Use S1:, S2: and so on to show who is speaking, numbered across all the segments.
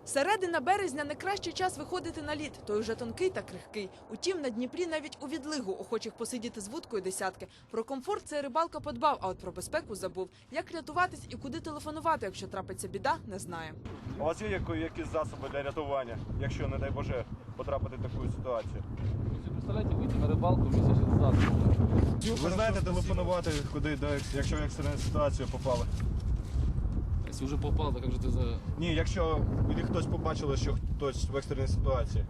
S1: Середина березня – не кращий час виходити на лід. Той уже тонкий та крихкий. Утім, на Дніпрі навіть у відлигу охочих посидіти з вудкою десятки. Про комфорт цей рибалка подбав, а от про безпеку забув. Як рятуватись і куди телефонувати, якщо трапиться біда, не знає.
S2: У вас є якісь засоби для рятування, якщо, не дай Боже, потрапити в таку ситуацію?
S3: Представляете, выйти на рыбалку вместе с засобом.
S2: Ви знаєте телефонувати, куди, якщо в екстрену ситуацію попали?
S3: Если уже попал, то как же ты за...
S2: Ні, якщо хтось побачили, що хтось в екстреній ситуації.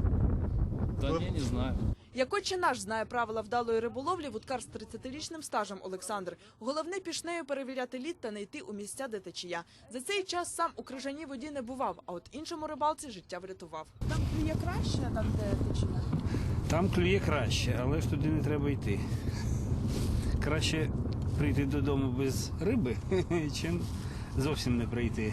S3: Да не знаю.
S1: Як отче наш знає правила вдалої риболовлі вудкар з 30-річним стажем Олександр. Головне пішнею перевіряти лід та не йти у місця, де течія. За цей час сам у крижаній воді не бував, а от іншому рибалці життя врятував.
S4: Там клює краще, там де течія?
S5: Там клює краще, але ж туди не треба йти. Краще прийти додому без риби, чим зовсім не прийти.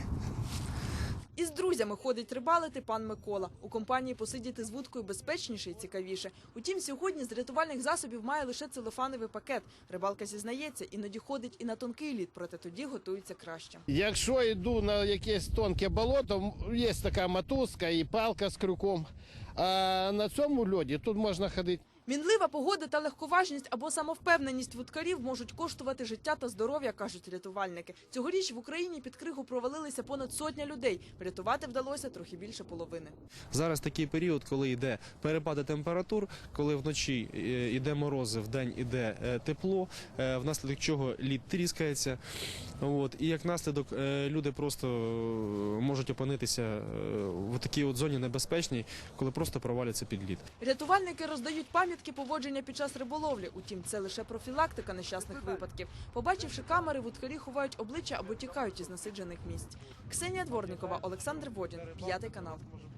S1: Із друзями ходить рибалити пан Микола. У компанії посидіти з вудкою безпечніше і цікавіше. Утім, сьогодні з рятувальних засобів має лише целофановий пакет. Рибалка зізнається, іноді ходить і на тонкий лід, проте тоді готується краще.
S6: Якщо йду на якесь тонке болото, є така мотузка і палка з крюком. А на цьому льоді тут можна ходити.
S1: Мінлива погода та легковажність або самовпевненість вудкарів можуть коштувати життя та здоров'я, кажуть рятувальники. Цьогоріч в Україні під кригу провалилися понад 100 людей. Врятувати вдалося трохи більше половини.
S7: Зараз такий період, коли йде перепади температур, коли вночі йде морози, вдень йде тепло, внаслідок чого лід тріскається. І як наслідок люди просто можуть опинитися в такій зоні небезпечній, коли просто проваляться під лід.
S1: Рятувальники роздають пам'ятки поводження під час риболовлі. Утім, це лише профілактика нещасних випадків. Побачивши камери, вудкарі ховають обличчя або тікають із насиджених місць. Ксенія Дворникова, Олександр Водін, 5 канал.